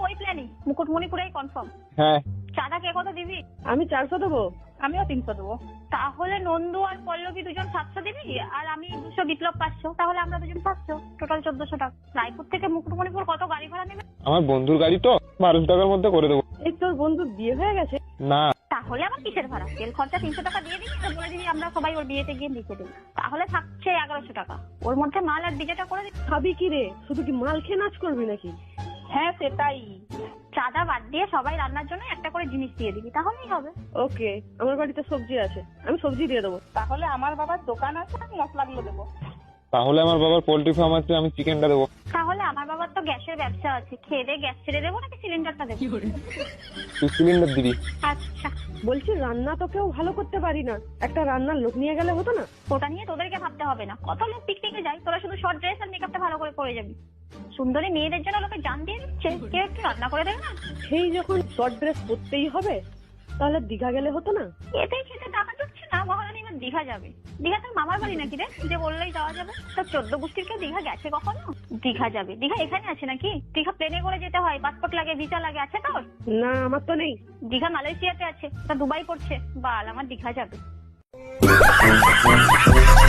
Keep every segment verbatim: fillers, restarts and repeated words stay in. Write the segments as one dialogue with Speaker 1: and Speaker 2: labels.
Speaker 1: ওই প্ল্যানই, মুকুটমণিপুরেই কনফার্ম।
Speaker 2: হ্যাঁ।
Speaker 1: চাঁদা কে কত দিবি?
Speaker 3: আমি চারশো দেবো।
Speaker 1: আমিও তিনশো দেবো। তাহলে নন্দু আর পল্লবী দুজন সাতশো দিবি, আর আমি দুশো, বিপ্লব পাঁচশো। তাহলে আমরা দুজন পাঁচশো, টোটাল চোদ্দশো টাকা। রায়পুর থেকে মুকুটমণিপুর কত গাড়ি ভাড়া নেবে?
Speaker 2: আমার বন্ধুর গাড়ি তো, বারোশো টাকার মধ্যে করে দেবো।
Speaker 3: এই তোর বন্ধুর বিয়ে হয়ে গেছে?
Speaker 2: না।
Speaker 1: তাহলে আমার কিসের ভাড়া? তেল খরচা তিনশো টাকা দিয়ে দিবি, আর বলে দিবি আমরা সবাই ওর বিয়েতে গিয়ে লিখে দিবি। তাহলে থাকছে এগারোশো টাকা। ওর মধ্যে মাল আর ডিজেটা করে দিবি।
Speaker 3: খাবি কি রে? শুধু কি মাল খেয়ে নাচ করবি নাকি?
Speaker 1: হ্যাঁ সেটাই। চাঁদা বাদ দিয়ে সবাই রান্নার জন্য একটা করে জিনিস দিয়ে দিবি, তাহলেই হবে।
Speaker 3: ওকে, আমার বাড়িতে সবজি আছে, আমি সবজি দিয়ে দেবো।
Speaker 1: তাহলে আমার বাবার দোকান আছে, আমি মশলাগুলো দেবো।
Speaker 2: তাহলে আমার বাবার পোল্ট্রি ফার্ম আছে, আমি চিকেনটা দেবো।
Speaker 1: তাহলে আমার বাবার তো গ্যাসের ব্যবসা আছে, খেয়ে দিয়ে গ্যাস ছেড়ে দেবো নাকি সিলিন্ডারটা দেবো?
Speaker 2: তুই সিলিন্ডার দিবি।
Speaker 1: আচ্ছা।
Speaker 3: বলছি রান্না তো কেউ ভালো করতে পারি না, একটা রান্নার লোক নিয়ে গেলে হতো না?
Speaker 1: ওটা নিয়ে তোদেরকে ভাবতে হবে না, কত লোক পিকনিকে যায়, তোরা শুধু শর্ট ড্রেস আর মেকআপটা ভালো করে করে যাবি। সুন্দরী মেয়েদের জন্য লোকে জান দিয়ে দিচ্ছে, কেউ একটু রান্না করে দেবে না?
Speaker 3: সেই যখন শর্ট ড্রেস পরতেই হবে, তাহলে দীঘা গেলে হতো না?
Speaker 1: এতেই খেতে টাকা জুটছে না, মহারানী এবার দীঘা যাবে। দীঘা তোর মামার বাড়ি নাকি রে, যে বললেই যাওয়া যাবে? তোর চোদ্দ গোষ্ঠীর কেউ দীঘা গেছে কখনো? দীঘা যাবে? দীঘা এখানে আছে নাকি? দীঘা প্লেনে করে যেতে হয়, পাসপোর্ট লাগে, ভিসা লাগে, আছে তোর?
Speaker 3: না, আমার তো নেই।
Speaker 1: দীঘা মালয়েশিয়াতে আছে, তা দুবাই পড়ছে। বাল, আমার দীঘা যাবে।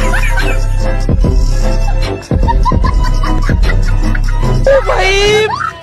Speaker 4: भाई